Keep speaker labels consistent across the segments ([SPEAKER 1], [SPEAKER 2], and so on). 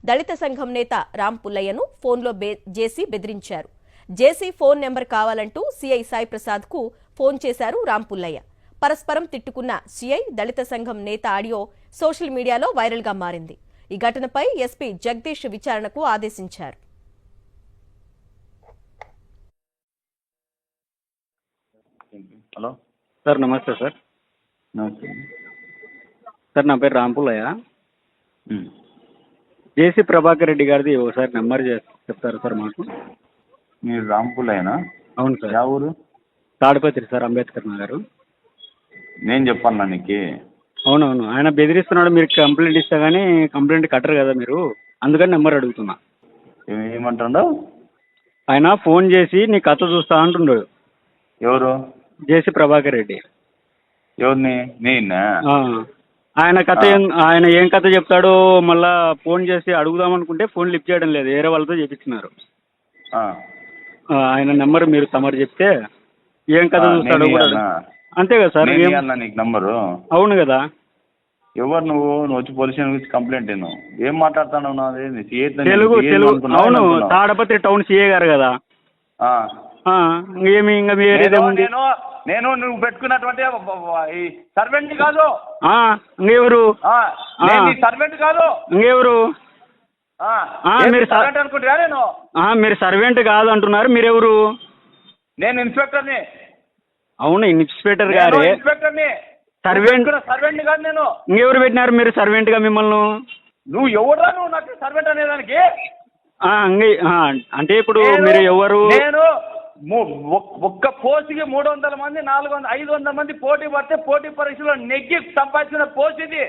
[SPEAKER 1] దళిత సంఘం నేత రామ్ పుల్లయ్యను ఫోన్లో జేసీ బెదిరించారు. జేసీ ఫోన్ నెంబర్ కావాలంటూ సీఐ సాయి ప్రసాద్కు ఫోన్ చేశారు రామ్ పుల్లయ్య. పరస్పరం తిట్టుకున్న సీఐ దళిత సంఘం నేత ఆడియో సోషల్ మీడియాలో వైరల్గా మారింది. ఈ ఘటనపై ఎస్పీ జగదీష్ విచారణకు ఆదేశించారు.
[SPEAKER 2] హలో
[SPEAKER 3] సార్, నమస్తే సార్.
[SPEAKER 2] నమస్తే
[SPEAKER 3] సార్, నా పేరు రామ్ పుల్లయ్య. జేసీ ప్రభాకర్ రెడ్డి గారిది ఒకసారి నెంబర్ చెప్తారు సార్ మాకు?
[SPEAKER 2] మీరు రాంపుల్లేనా?
[SPEAKER 3] అవును సార్.
[SPEAKER 2] యా ఊరు?
[SPEAKER 3] తాడిపత్రి సార్, అంబేద్కర్ నగర్.
[SPEAKER 2] నేను చెప్పాను నీకు.
[SPEAKER 3] అవునవును, ఆయన బెదిరిస్తున్నాడు. మీరు కంప్లైంట్ ఇస్తా కానీ కంప్లైంట్ కట్టరు కదా మీరు, అందుకని నెంబర్ అడుగుతున్నా.
[SPEAKER 2] ఏమంటాడు
[SPEAKER 3] ఆయన? ఫోన్ చేసి నీ కథ చూస్తా అంటున్నాడు.
[SPEAKER 2] ఎవరు?
[SPEAKER 3] జేసీ ప్రభాకర్ రెడ్డి.
[SPEAKER 2] ఎవరిని? నేనా?
[SPEAKER 3] ఆయన కథ ఆయన ఏం కథ చెప్తాడో మళ్ళా ఫోన్ చేసి అడుగుదాం అనుకుంటే ఫోన్ లిఫ్ట్ చేయడం లేదు, వేరే వాళ్ళతో చేపించినారు. ఆయన నెంబర్ మీరు తమరు చెప్తే ఏం కథ చూస్తాడో కూడా. అంతే కదా సార్?
[SPEAKER 2] నీకు నంబరు?
[SPEAKER 3] అవును కదా.
[SPEAKER 2] ఎవరు నువ్వు? నువ్వు వచ్చి పోలీస్ స్టేషన్ గురించి కంప్లైంట్ ఏం మాట్లాడుతున్నావు?
[SPEAKER 3] తెలుగు తెలుగు. అవును, తాడపత్రి టౌన్ సీఏ గారు కదా. ఏమి ఇంకా వేరేదేముంది?
[SPEAKER 2] నేను నువ్వు పెట్టుకున్నటువంటి సర్వెంట్ కాదు.
[SPEAKER 3] ఇంకెవరు?
[SPEAKER 2] సర్వెంట్ కాదు.
[SPEAKER 3] ఇంకెవరు?
[SPEAKER 2] అనుకుంటా నేను.
[SPEAKER 3] మీరు సర్వెంట్ కాదు అంటున్నారు, మీరెవరు?
[SPEAKER 2] నేను ఇన్స్పెక్టర్ని.
[SPEAKER 3] అవును, ఇన్స్పెక్టర్ గారే.
[SPEAKER 2] ఇన్స్పెక్టర్ని.
[SPEAKER 3] సర్వెంట్
[SPEAKER 2] కాదు నేను.
[SPEAKER 3] ఇంకెవరు పెట్టినారు మీరు సర్వెంట్ గా మిమ్మల్ని?
[SPEAKER 2] నువ్వు ఎవరా? నువ్వు నాకు సర్వెంట్ అనేదానికి?
[SPEAKER 3] అంటే ఇప్పుడు మీరు ఎవరు?
[SPEAKER 2] నేను ఒక్క పోస్ట్కి 300 మంది 400 500 మంది పోటీ పడితే పోటీ పరీక్షలో నెగ్గి సంపాదించిన పోస్ట్ ఇది.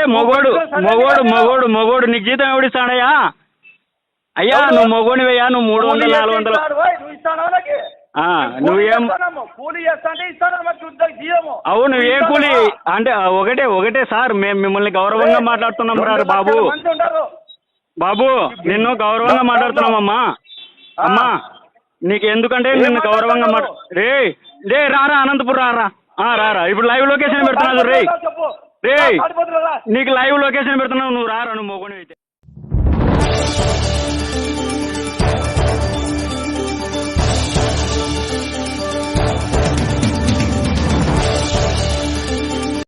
[SPEAKER 3] మొగోడు నీకు జీతం ఎవడిస్తాడయ్యా? అయ్యా నువ్వు మొగోడివయ్యా, నువ్వు 300 400
[SPEAKER 2] నువ్వు ఇస్తానా?
[SPEAKER 3] నువ్వేం
[SPEAKER 2] కూలీ చేస్తా అంటే ఇస్తాను.
[SPEAKER 3] అవును, ఏ కూలీ అంటే ఒకటే సార్. మేము మిమ్మల్ని గౌరవంగా మాట్లాడుతున్నాం రా బాబు. బాబు, నిన్ను గౌరవంగా మాట్లాడుతున్నామమ్మా. అమ్మా, నీకు ఎందుకంటే నిన్ను గౌరవంగా రే రారా అనంతపురం రారా. ఇప్పుడు లైవ్ లొకేషన్ పెడుతున్నావు రే నీకు లైవ్ లొకేషన్ పెడుతున్నావు, నువ్వు రారా, నువ్వు మొగోనివి అయితే.